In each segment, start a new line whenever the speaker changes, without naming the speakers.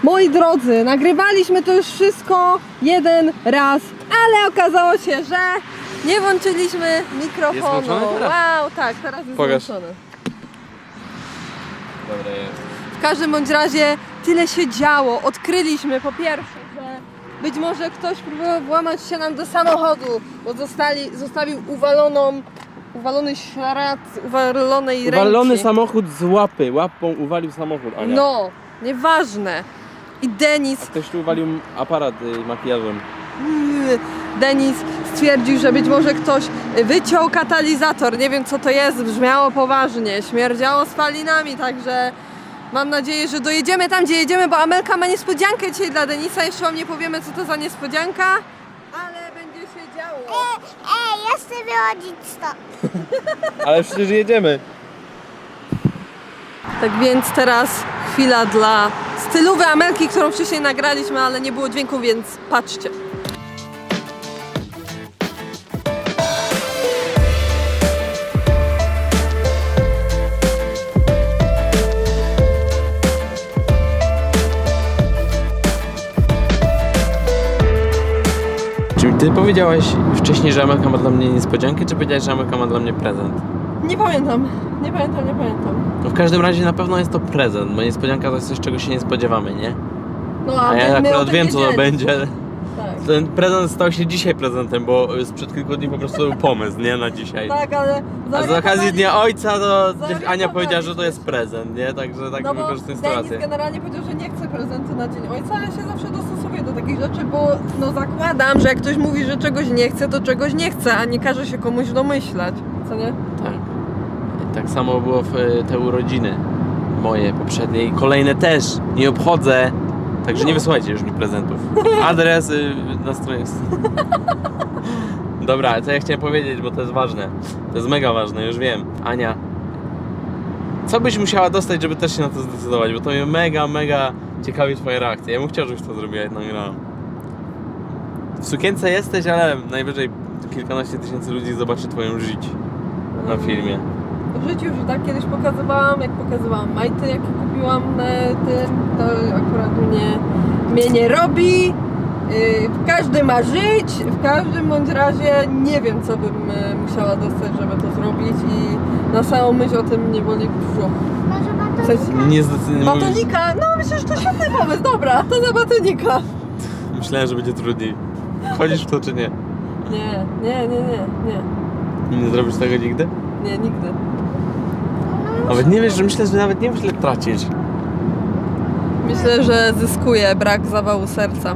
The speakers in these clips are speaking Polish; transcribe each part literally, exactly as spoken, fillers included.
Moi drodzy, nagrywaliśmy to już wszystko jeden raz, ale okazało się, że nie włączyliśmy mikrofonu.
Jest włączony teraz?
Wow, tak, teraz jest
Pokaż.
włączony.
Dobra, jest.
W każdym bądź razie tyle się działo. Odkryliśmy po pierwsze, że być może ktoś próbował włamać się nam do samochodu, bo zostali, zostawił uwaloną, uwalony ślad uwalonej ręki.
Uwalony samochód z łapy. Łapą uwalił samochód, Ania.
No, nieważne. I Denis,
Ktoś tu uwalił aparat y, makijażem.
Denis stwierdził, że być może ktoś wyciął katalizator. Nie wiem co to jest, brzmiało poważnie, śmierdziało spalinami, także mam nadzieję, że dojedziemy tam, gdzie jedziemy, bo Amelka ma niespodziankę dzisiaj dla Denisa. Jeszcze wam nie powiemy, co to za niespodzianka, ale będzie się działo.
Ej, ej, ja chcę wychodzić stąd.
Ale przecież jedziemy.
Tak więc teraz chwila dla stylowej Amelki, którą wcześniej nagraliśmy, ale nie było dźwięku, więc patrzcie.
Czy ty powiedziałaś wcześniej, że Amelka ma dla mnie niespodziankę, czy powiedziałaś, że Amelka ma dla mnie prezent?
Nie pamiętam, nie pamiętam, nie pamiętam.
No w każdym razie na pewno jest to prezent, bo niespodzianka to jest coś, czego się nie spodziewamy, nie?
No,
A ja
my- my o
akurat
tym
wiem, co to
wiedzieli.
będzie.
Tak.
Ten prezent stał się dzisiaj prezentem, bo sprzed kilku dni po prostu był pomysł, nie? Na dzisiaj.
Tak, ale...
A z okazji Dnia Ojca to
Zorientowali
Ania powiedziała, że to
się.
jest prezent, nie? Także tak
No bo
wykorzystuję
Denis
sytuację.
generalnie powiedział, że nie chce prezentu na Dzień Ojca, ale się zawsze dostosowuje do takich rzeczy, bo no zakładam, że jak ktoś mówi, że czegoś nie chce, to czegoś nie chce, a nie każe się komuś domyślać, co nie?
Tak. Tak samo było w e, te urodziny moje poprzednie i kolejne też. Nie obchodzę. Także nie wysyłajcie już mi prezentów. Adres y, na stronie. Dobra, co ja chciałem powiedzieć, bo to jest ważne. To jest mega ważne, już wiem. Ania, co byś musiała dostać, żeby też się na to zdecydować? Bo to mnie mega, mega ciekawi twoja reakcja. Ja bym chciał, żebyś to zrobiła i nagrała. W sukience jesteś, ale najwyżej kilkanaście tysięcy ludzi zobaczy twoją żyć na filmie.
W życiu już tak kiedyś pokazywałam, jak pokazywałam majty, jakie kupiłam na tym, to akurat mnie, mnie nie robi. Yy, każdy ma żyć, w każdym bądź razie nie wiem, co bym y, musiała dostać, żeby to zrobić i na samą myśl o tym mnie boli brzuch.
Może
W sensie,
batonika?
Nie zdecydowanie.
batonika, no myślę, że to świetny pomysł, dobra, to za batonika.
Myślałem, że będzie trudniej. Chodzisz w to czy nie?
Nie, nie, nie, nie, nie,
Nie zrobisz tego nigdy?
nie, nigdy.
Nawet nie wiesz, że myślę, że nawet nie wiesz, ile tracić.
Myślę, że zyskuje brak zawału serca.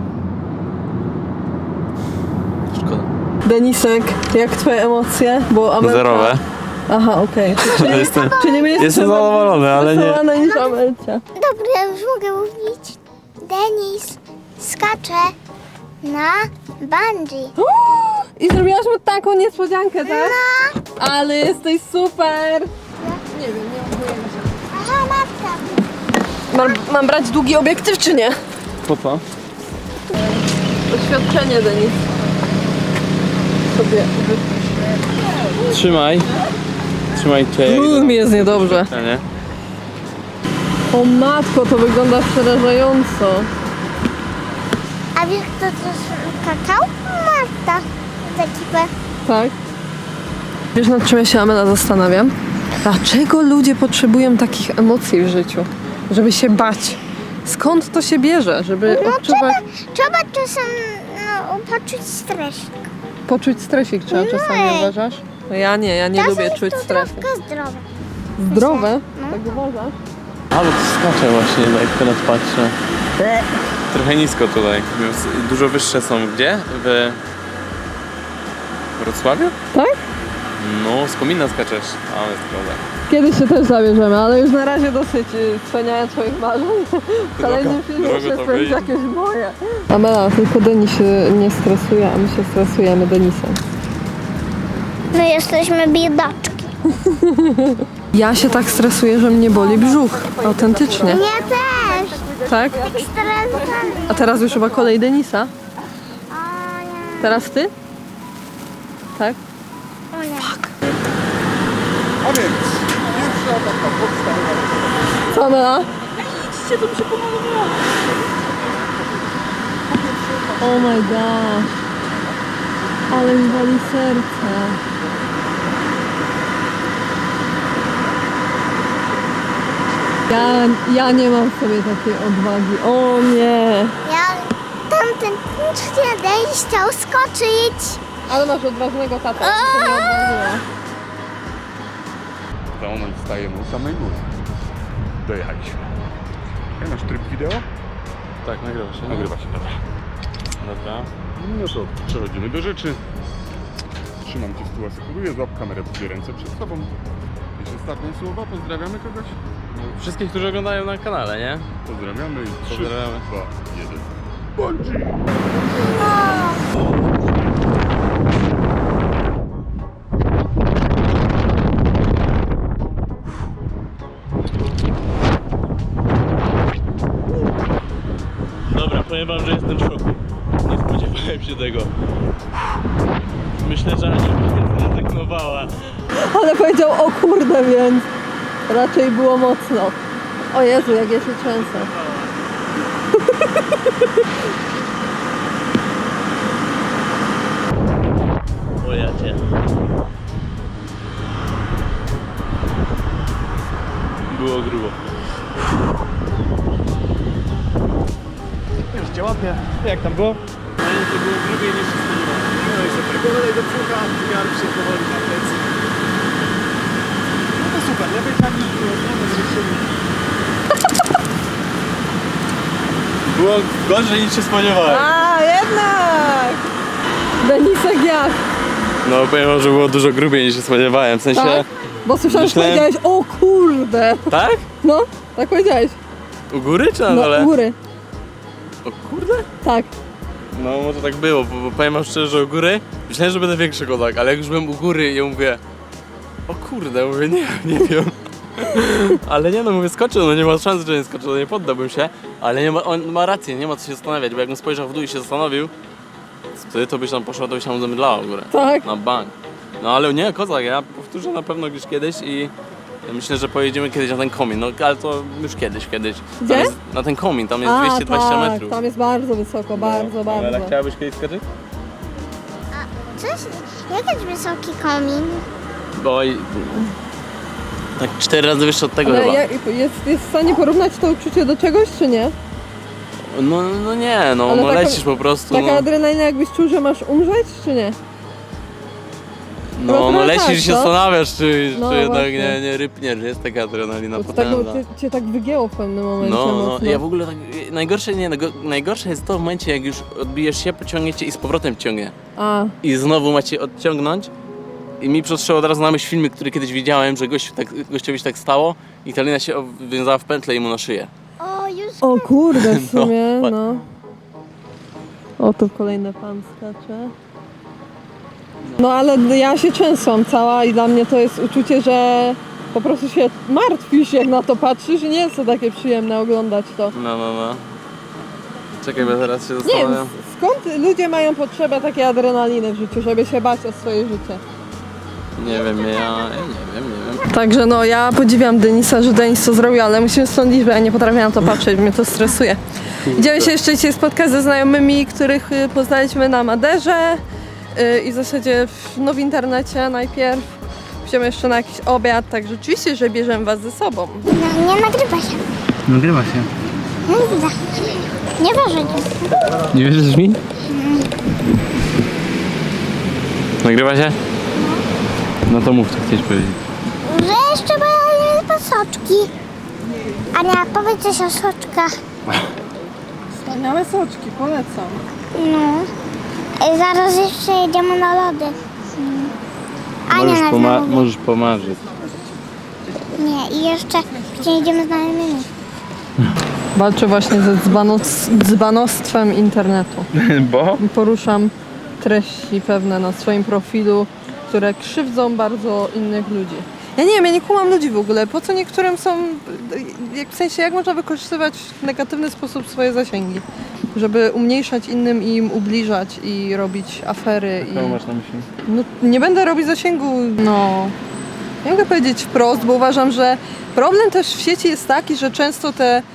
Szkoda.
Denisek, jak twoje emocje? Bo Amelka...
Zerowe.
Aha, okej. Czyli,
Jestem,
czyli my
jestem zadowolony, ale nie.
Zadowolona niż Amelcia.
Dobra, ja już mogę mówić. Denis skacze na bungee.
I zrobiłaś mu taką niespodziankę, tak?
No.
Ale jesteś super! Nie wiem, nie mam pojęcia.
Aha, matka.
Mam, mam brać długi obiektyw, czy nie?
Po co?
Doświadczenie, Denis. Sobie
Trzymaj. Trzymaj cię.
Uuu, mi jest niedobrze.
Nie?
O matko, to wygląda przerażająco.
A wiesz, kto to skakał? Marta. Z ekipy.
Tak? Wiesz, nad czym ja się, Amela, zastanawiam? Dlaczego ludzie potrzebują takich emocji w życiu? Żeby się bać. Skąd to się bierze? Żeby
No
odczuwać...
trzeba, trzeba czasem no, poczuć stres.
Poczuć stresik trzeba czasami,
Nie.
uważasz? No ja nie, ja nie
Czasem
lubię czuć
to
stresu.
troszkę zdrowe.
Zdrowe?
No.
Tak uważasz?
Ale to skacze właśnie, jak teraz patrzę. Trochę nisko tutaj. Dużo wyższe są gdzie? W Wrocławiu?
Tak?
No, z komina skaczesz. A, jest prawda.
Kiedyś się też zabierzemy, ale już na razie dosyć y, spełniania twoich marzeń. W kolejnym filmie
drogo
się
to
spełnić
wyjdzie.
jakieś moje. Amela, tylko Denis się nie stresuje, a my się stresujemy Denisem.
My jesteśmy biedaczki.
Ja się tak stresuję, że mnie boli brzuch. Autentycznie.
Ja też.
Tak?
Stresowany.
A teraz już chyba kolej Denisa.
O nie.
Teraz ty? Tak?
O nie.
A więc pierwsza taka podstawowa.
Co Amela?
Idźcie, to mi się pomogło.
Oh my gosh. Ale mi wali serce. Ja, ja nie mam w sobie takiej odwagi. O nie.
Ja tamten kiedyś chciał skoczyć.
Ale masz odważnego tata. To nie odważyła.
Za moment stajemy u samej góry. Dojechaliśmy. Ja masz tryb wideo?
Tak, nagrywa się.
Nagrywa się, dobra.
Dobra.
No to przechodzimy do rzeczy. Trzymam cię z tyłu, asekuruję, złap kamerę w dwie ręce przed sobą. Jeszcze ostatnie słowa, pozdrawiamy kogoś?
Wszystkich, którzy oglądają na kanale, nie?
Pozdrawiamy i trzy,
Pozdrawiamy.
dwa, jeden. Bungee!
Dobra, powiem wam, że jestem w szoku. Nie spodziewałem się tego. Myślę, że Ania mnie zrezygnowała.
Ale powiedział o kurde, więc raczej było mocno. O Jezu, jak ja się trzęsę.
O ja cię. Było grubo.
Już cię łapię. Jak tam było?
Ale to było grubiej niż się spodziewałem.
No i super. Powolej do brzucha, garb się powoli na plecy. No to super, lepiej tak niż było. Znamy zresztą.
Było gorzej niż się spodziewałem.
A, jednak! Denisek jak?
No powiem wam, że było dużo grubiej niż się spodziewałem. W sensie...
Tak? Bo słyszałem, że
myślałem-
powiedziałeś o kurde.
Tak?
No, tak powiedziałeś.
U góry czy na
No,
dole?
u góry.
O kurde?
Tak.
No może tak było, bo, bo powiem wam szczerze, że u góry myślałem, że będę większy kozak, ale jak już byłem u góry i ja mówię o kurde, mówię nie, nie wiem. Ale nie no, mówię skoczył, no nie ma szans, że nie skoczył, no nie poddałbym się, ale nie ma, on ma rację, nie ma co się zastanawiać, bo jakbym spojrzał w dół i się zastanowił, wtedy to byś tam poszła, to byś tam zemdlała w górę.
Tak.
Na bank. No ale nie, kozak, ja powtórzę na pewno gdzieś kiedyś i myślę, że pojedziemy kiedyś na ten komin, no ale to już kiedyś, kiedyś. Tam
Gdzie?
Jest, na ten komin, tam jest
A,
dwieście dwadzieścia
tak,
metrów.
tam jest bardzo wysoko, bardzo,
No, ale
bardzo.
chciałabyś kiedyś skoczyć?
Coś, jakiś wysoki komin.
Bo i- tak cztery razy wyższe od tego
Ale
chyba.
ja, jest, jest w stanie porównać to uczucie do czegoś, czy nie?
No, no nie, no,
Ale
no
taka-
lecisz po prostu,
Taka
no,
adrenalina jakbyś czuł, że masz umrzeć, czy nie?
no, no
trochę
lecisz
tak,
i się
no.
zastanawiasz, czy,
No
czy jednak
właśnie.
nie, nie rypniesz, jest taka adrenalina
Bo to tak,
potężna.
cię, cię tak wygięło w pewnym momencie
No, no,
mocno.
ja w ogóle tak, najgorsze nie, najgo- najgorsze jest to w momencie, jak już odbijesz się, pociągniecie i z powrotem ciągnie.
A,
I znowu macie odciągnąć. I mi przyszło od razu na myśl filmy, który kiedyś widziałem, że gość, tak, gościowi się tak stało i ta lina się wiązała w pętlę i mu na szyję.
O, już
o kurde w
No,
sumie,
pa-
no. O, tu kolejny pan skacze. No ale ja się trzęsłam cała i dla mnie to jest uczucie, że po prostu się martwisz, jak na to patrzysz i nie jest to takie przyjemne oglądać to.
No, no, no. Czekaj, bo teraz się
Nie wiem,
zastanawiam.
skąd ludzie mają potrzebę takiej adrenaliny w życiu, żeby się bać o swoje życie?
Nie wiem, ja, ja nie wiem, nie wiem.
Także no, ja podziwiam Denisa, że Denis to zrobił, ale musimy stąd iść, bo ja nie potrafię na to patrzeć, mnie to stresuje. Idziemy się jeszcze dzisiaj spotkać ze znajomymi, których y, poznaliśmy na Maderze y, i w zasadzie w, no, w internecie najpierw. Idziemy jeszcze na jakiś obiad, także oczywiście, że bierzemy was ze sobą.
no, nie nagrywa się.
Nagrywa się.
Nie widzę. Nie wierzę.
Nie wierzysz mi? Nagrywa się? No to mów, co chcesz powiedzieć.
Że jeszcze mają soczki. Ania, powiedz coś o soczkach.
Wspaniałe soczki, polecam.
No. I zaraz jeszcze jedziemy na lody. Mm. Ania
Możesz,
nas
poma-
zamówi.
możesz pomarzyć.
Nie, i jeszcze jedziemy z znajomymi.
Walczę właśnie ze dzbanos- dzbanostwem internetu.
Bo?
Poruszam treści pewne na swoim profilu, które krzywdzą bardzo innych ludzi. Ja nie wiem, ja nie kumam ludzi w ogóle. Po co niektórym są, jak, w sensie jak można wykorzystywać w negatywny sposób swoje zasięgi, żeby umniejszać innym i im ubliżać i robić afery. I...
Co masz na myśli?
No, nie będę robić zasięgu, no... Nie mogę powiedzieć wprost, bo uważam, że problem też w sieci jest taki, że często te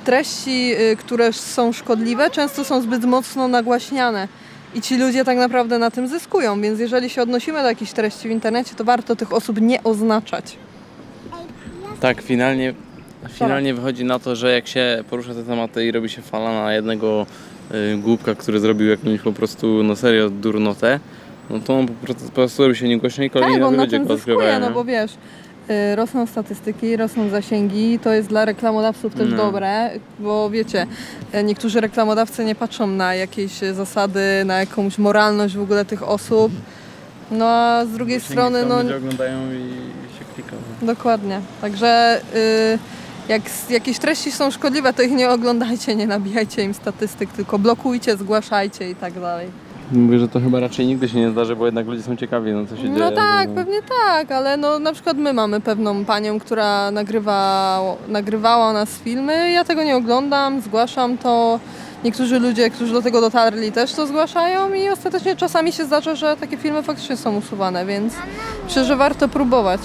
treści, y, które są szkodliwe, często są zbyt mocno nagłaśniane. I ci ludzie tak naprawdę na tym zyskują, więc jeżeli się odnosimy do jakichś treści w internecie, to warto tych osób nie oznaczać.
Tak, finalnie, finalnie wychodzi na to, że jak się porusza te tematy i robi się fala na jednego y, głupka, który zrobił jakąś po prostu, no serio, durnotę, no to on po prostu, po prostu robi się niegłośno i kolejni
Tak, on na
ludzie
tym
go
zyskuje,
odkrywają.
no
nie?
bo wiesz, y, rosną statystyki, rosną zasięgi, to jest dla reklamodawców też
No.
dobre, bo wiecie, y, niektórzy reklamodawcy nie patrzą na jakieś y, zasady, na jakąś moralność w ogóle tych osób, no a z drugiej strony, no
Ludzie oglądają i się klika. no.
dokładnie, także y, jak s- jakieś treści są szkodliwe, to ich nie oglądajcie, nie nabijajcie im statystyk, tylko blokujcie, zgłaszajcie i tak dalej.
Mówię, że to chyba raczej nigdy się nie zdarzy, bo jednak ludzie są ciekawi, no co się dzieje.
No tak,
no.
pewnie tak, ale no na przykład my mamy pewną panią, która nagrywa, nagrywała u nas filmy, ja tego nie oglądam, zgłaszam to. Niektórzy ludzie, którzy do tego dotarli, też to zgłaszają i ostatecznie czasami się zdarza, że takie filmy faktycznie są usuwane, więc myślę, że warto próbować.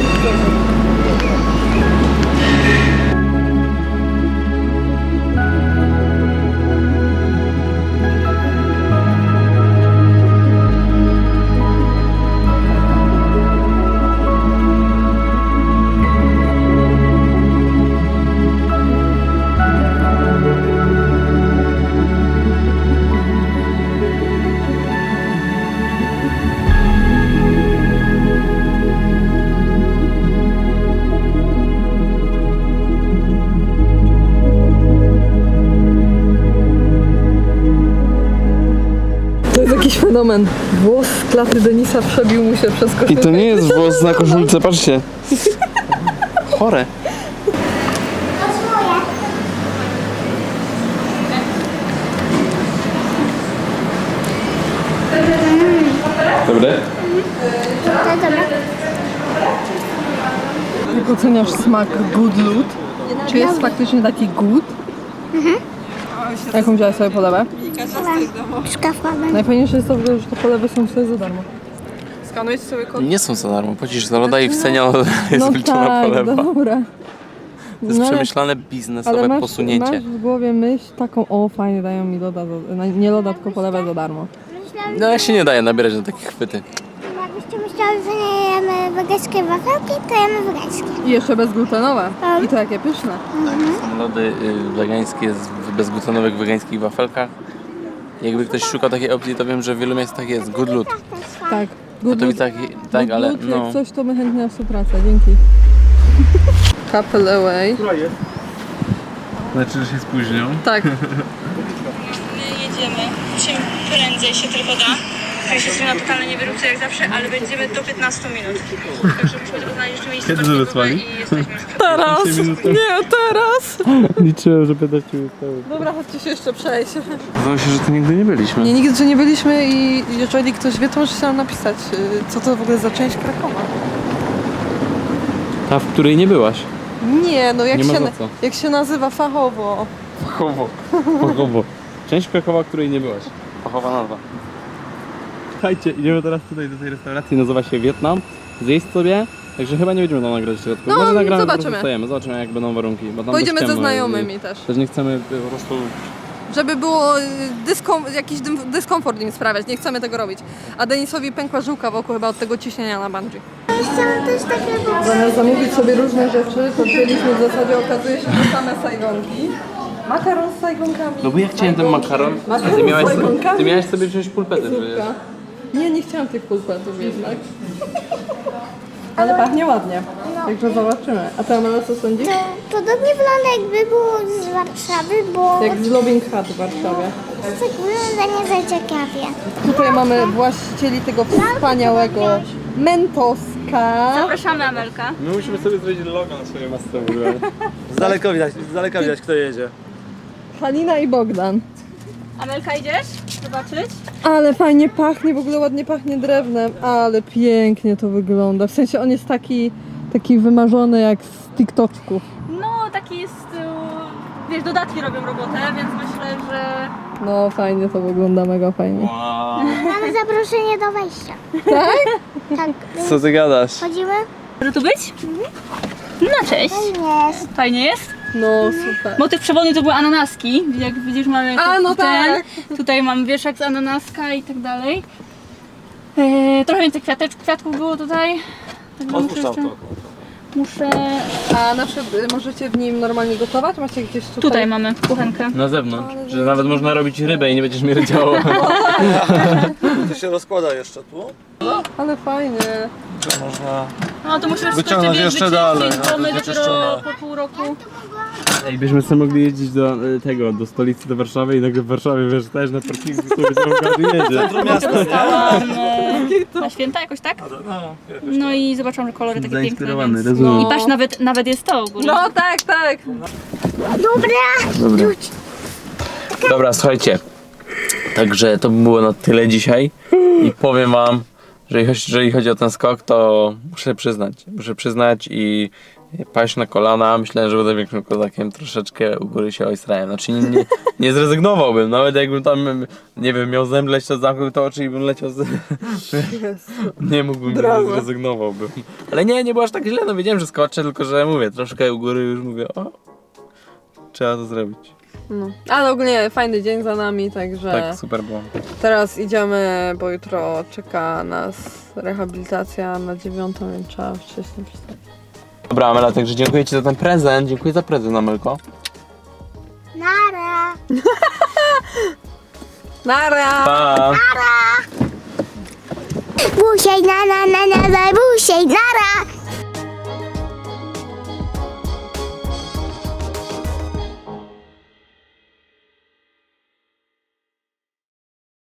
To jest jakiś fenomen. Włos z klaty Denisa przebił mu się przez koszulkę.
I to nie jest włos na koszulce, patrzcie. Chore. Dobre?
To dobra.
Jak oceniasz smak Good Loot? Czy jest faktycznie taki good? Mhm. Jaką wziąłeś sobie polewę?
Szkafmamy.
Najfajniejsze jest to, że te polewy są sobie za darmo. Skanujecie sobie kod?
Nie są za darmo, płacisz za loda i w cenie jest
No
wliczona
tak,
polewa.
dobra.
To jest
No ale-
przemyślane
Ale
biznesowe
masz,
posunięcie.
masz w głowie myśl taką, o fajnie, dają mi loda, za, na- nie loda, tylko polewę za darmo.
Myślałam,
No ja się nie daje nabierać na takie chwyty.
jakbyście myślały, że nie jemy wegańskie wafelki, to jemy wegańskie.
I jeszcze bezglutenowe. I to jakie pyszne.
Są lody y, wegańskie z w bezglutenowych wegańskich wafelkach. Jakby ktoś szukał takiej opcji, to wiem, że w wielu miejscach jest Good Loot.
Tak.
No
Good
to
Loot,
i tak, tak
Good
ale
Loot,
no.
jak coś, to my chętnie na współpracę. Dzięki. Couple away.
Która jest?
Znaczy, że się spóźnią.
Tak.
My jedziemy, czym prędzej się tylko da. Jesteśmy na totalne niewyrówce jak zawsze, ale będziemy do piętnastu minut. Także musimy znaleźć jeszcze miejsce
Kiedy
parkingowe
wysłali?
i jesteśmy już.
Teraz! Nie, teraz!
Liczyłem, że piętnaście minut temu.
Dobra, chodźcie się jeszcze przejść.
Zdawało się, że tu nigdy nie byliśmy.
Nie, nigdy, że nie byliśmy i jeżeli ktoś wie, to może się nam napisać, y, co to w ogóle za część Krakowa.
Ta, w której nie byłaś.
Nie, no jak,
Nie ma
się,
za
na-
co.
jak się nazywa fachowo.
Fachowo. Fachowo. Część Krakowa, której nie byłaś. Fachowa nazwa. Słuchajcie, idziemy teraz tutaj do tej restauracji, nazywa się Wietnam. Zjeść sobie, także chyba nie będziemy tam nagrać w środku.
No,
Może nagramy,
zobaczymy.
po prostu stajemy, zobaczymy jak będą warunki. Bo tam
Pojedziemy
dość
ze
ciemno
znajomymi
i
też.
Też nie chcemy po prostu...
Żeby było y, dyskom- jakiś dym- dyskomfort im sprawiać, nie chcemy tego robić. A Denisowi pękła żyłka wokół chyba od tego ciśnienia na bungee.
Chciałam też takie
Zamiast zamówić sobie różne rzeczy, to wzięliśmy w zasadzie, okazuje się, że same sajgonki. Makaron z sajgonkami.
No bo ja chciałem ten makaron, a
Makaron
ty miałeś,
z
sobie,
sajgonkami.
ty miałeś sobie wziąć pulpety przecież.
Zupka. Nie, nie chciałam tych pulpetów jednak. Ale pachnie ładnie. Także zobaczymy. A ty, Amela, co sądzisz?
To podobnie wygląda, jakby było z Warszawy, bo
Jak z Loving Hut w Warszawie.
tak wygląda nie za ciekawie.
Tutaj mamy właścicieli tego wspaniałego Mentoska.
Zapraszamy Amelka.
My musimy sobie zrobić logo na swoje masce w ogóle.
Z daleka widać, z daleka widać kto jedzie.
Halina i Bogdan.
Amelka, idziesz zobaczyć?
Ale fajnie pachnie, w ogóle ładnie pachnie drewnem, ale pięknie to wygląda. W sensie on jest taki, taki wymarzony jak z TikToczków.
No, taki jest, y, wiesz, dodatki robią robotę, więc myślę, że...
No fajnie to wygląda, mega fajnie.
Wow.
Mamy zaproszenie do wejścia.
Tak?
Tak.
Co ty gadasz?
Chodzimy?
Może tu być? No, cześć.
Jest.
Fajnie jest?
No super.
Motyw przewodni to były ananaski. Jak widzisz, mamy
A,
tu-
no
ten,
tak.
tutaj mam wieszak z ananaska i tak dalej. E, trochę więcej kwiatecz, kwiatków było tutaj. Także muszę jeszcze, muszę...
A na przykład y, możecie w nim normalnie gotować? Macie gdzieś tutaj?
Tutaj mamy kuchenkę.
Na zewnątrz, że nawet można robić rybę i nie będziesz mierdziało.
To się rozkłada jeszcze tu.
Ale fajnie.
To można...
No to musimy
Wyciągnąć jeszcze dalej, no,
bo my
będzie
dopiero
czyszczone.
po pół roku.
Ej, byśmy sobie mogli jeździć do e, tego, do stolicy, do Warszawy i nagle w Warszawie, wiesz, też na parkingu sobie każdy jedzie.
Centrum miasta, nie?
Dostałam e, na święta jakoś, tak?
No,
No i zobaczyłam, że kolory takie piękne,
Zainspirowany,
więc...
rozumiem.
I patrz, nawet, nawet jest to u góry.
No tak, tak.
Dobra.
Dobra. Dobra, słuchajcie. Także to by było na tyle dzisiaj. I powiem wam, że jeżeli chodzi o ten skok, to muszę przyznać. Muszę przyznać i paść na kolana. Myślałem, że będę większym kozakiem. Troszeczkę u góry się ojstrałem. Znaczy nie, nie, nie zrezygnowałbym. Nawet jakbym tam, nie wiem, miał zemdleć, to zamknął to oczy i bym leciał z... Nie mógłbym,
Drama.
nie zrezygnowałbym. Ale nie, nie było aż tak źle. No wiedziałem, że skoczę, tylko że mówię, troszkę u góry już mówię, o, trzeba to zrobić.
No. Ale ogólnie fajny dzień za nami, także
Tak, super było.
teraz idziemy, bo jutro czeka nas rehabilitacja na dziewiątą, więc trzeba wcześniej wstać.
Dobra, Amela, także dziękuję ci za ten prezent. Dziękuję za prezent, Amelko.
Nara.
Nara!
Pa!
Busiej, na, na, na, na, na, busiej, nara.